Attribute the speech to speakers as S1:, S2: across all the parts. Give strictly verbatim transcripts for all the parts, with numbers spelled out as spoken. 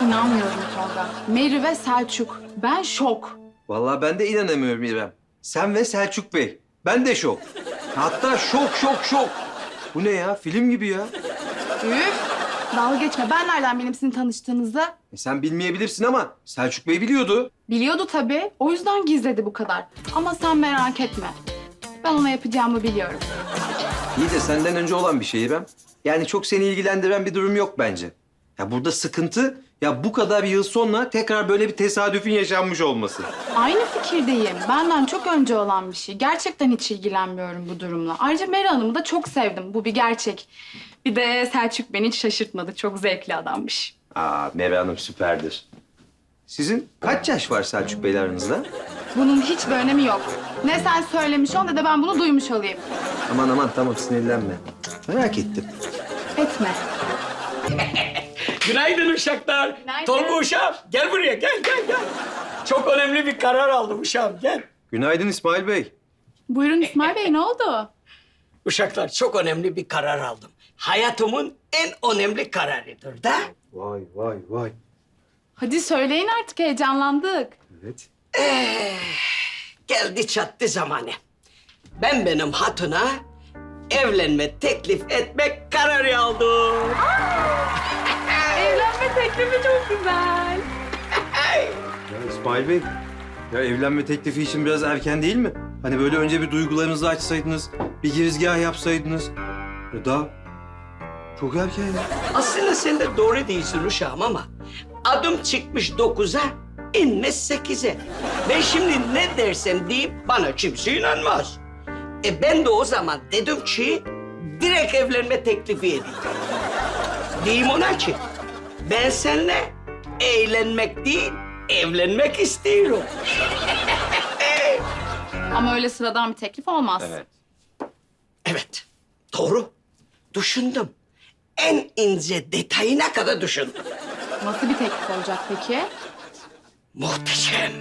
S1: İnanmıyorum Tolga. Meri ve Selçuk. Ben şok.
S2: Vallahi ben de inanamıyorum İrem. Sen ve Selçuk Bey. Ben de şok. Hatta şok şok şok. Bu ne ya? Film gibi ya.
S1: Üf. Dalga geçme. Ben nereden bileyim sizin tanıştığınızı?
S2: E sen bilmeyebilirsin ama Selçuk Bey biliyordu.
S1: Biliyordu tabii. O yüzden gizledi bu kadar. Ama sen merak etme. Ben ona yapacağımı biliyorum.
S2: İyi de senden önce olan bir şey İrem. Yani çok seni ilgilendiren bir durum yok bence. Ya burada sıkıntı ya bu kadar yıl sonra tekrar böyle bir tesadüfün yaşanmış olması.
S1: Aynı fikirdeyim. Benden çok önce olan bir şey. Gerçekten hiç ilgilenmiyorum bu durumla. Ayrıca Meri Hanım'ı da çok sevdim. Bu bir gerçek. Bir de Selçuk beni hiç şaşırtmadı. Çok zevkli adammış.
S2: Aa Merve Hanım süperdir. Sizin kaç yaş var Selçuk Bey'le aranızda?
S1: Bunun hiçbir önemi yok. Ne sen söylemiş ol ne de ben bunu duymuş olayım.
S2: Aman aman tamam sinirlenme. Merak ettim.
S1: Etme.
S3: Günaydın uşaklar.
S1: Günaydın.
S3: Tolga uşağım gel buraya gel gel gel. Çok önemli bir karar aldım uşağım gel.
S2: Günaydın İsmail Bey.
S1: Buyurun İsmail Bey, ne oldu?
S3: Uşaklar çok önemli bir karar aldım. Hayatımın en önemli kararıdır da.
S2: Vay vay vay.
S1: Hadi söyleyin artık, heyecanlandık.
S2: Evet.
S3: Geldi çattı zamanı. Ben benim hatuna evlenme teklif etmek kararı aldım.
S1: Evlenme teklifi çok güzel.
S2: Ya İsmail Bey, ya evlenme teklifi için biraz erken değil mi? Hani böyle önce bir duygularınızı açsaydınız, bir girizgah yapsaydınız. Ya daha çok erken ya.
S3: Aslında sen de doğru değilsin uşağım ama adım çıkmış dokuza, inmiş sekize. Ben şimdi ne dersem deyip bana kimse inanmaz. E ben de o zaman dedim ki direkt evlenme teklifi edeyim. Diyeyim ona ki ben seninle eğlenmek değil, evlenmek istiyorum.
S1: Ama öyle sıradan bir teklif olmaz.
S2: Evet.
S3: Evet, doğru. Düşündüm. En ince detayına kadar düşündüm.
S1: Nasıl bir teklif olacak peki?
S3: Muhteşem.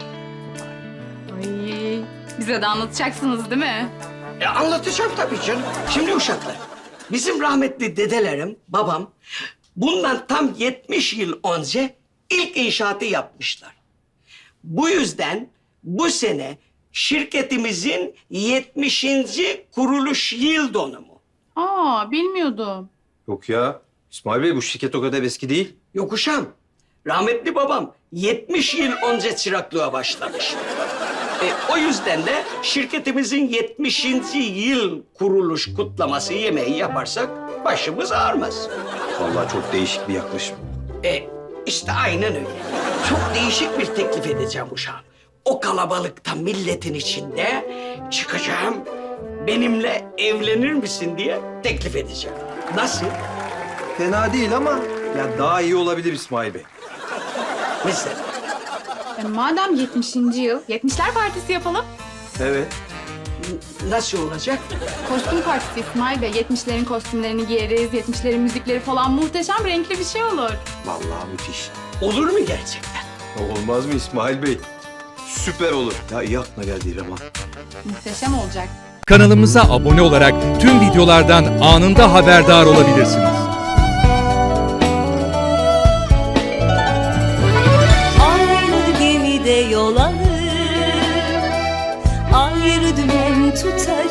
S1: Ay, bize de anlatacaksınız değil mi?
S3: E anlatacağım tabii canım. Şimdi uşaklar, bizim rahmetli dedelerim, babam bundan tam yetmiş yıl önce ilk inşaatı yapmışlar. Bu yüzden bu sene şirketimizin yetmişinci kuruluş yıl dönümü.
S1: Aa, bilmiyordum.
S2: Yok ya. İsmail Bey bu şirket o kadar eski değil.
S3: Yok uşağım, rahmetli babam yetmiş yıl önce çıraklığa başlamış. E, o yüzden de şirketimizin yetmişinci yıl kuruluş kutlaması yemeği yaparsak başımız ağrımaz.
S2: Vallahi çok değişik bir yaklaşım.
S3: E işte aynen öyle. Çok değişik bir teklif edeceğim uşağım. O kalabalıkta milletin içinde çıkacağım. Benimle evlenir misin diye teklif edeceğim. Nasıl?
S2: Fena değil ama ya daha iyi olabilir İsmail Bey.
S3: Mesela.
S1: E, madem yetmişinci yıl, yetmişler partisi yapalım.
S2: Evet.
S3: n- Nasıl olacak?
S1: Kostüm partisi İsmail Bey. Yetmişlerin kostümlerini giyeriz, yetmişlerin müzikleri falan muhteşem renkli bir şey olur.
S2: Vallahi müthiş.
S3: Olur mu gerçekten?
S2: Ya olmaz mı İsmail Bey? Süper olur. Ya iyi aklına geldi İrem ha.
S1: Muhteşem olacak.
S4: Kanalımıza abone olarak tüm videolardan anında haberdar olabilirsiniz.
S5: Aynı gemide yol alır, ayrı dümen tutarız.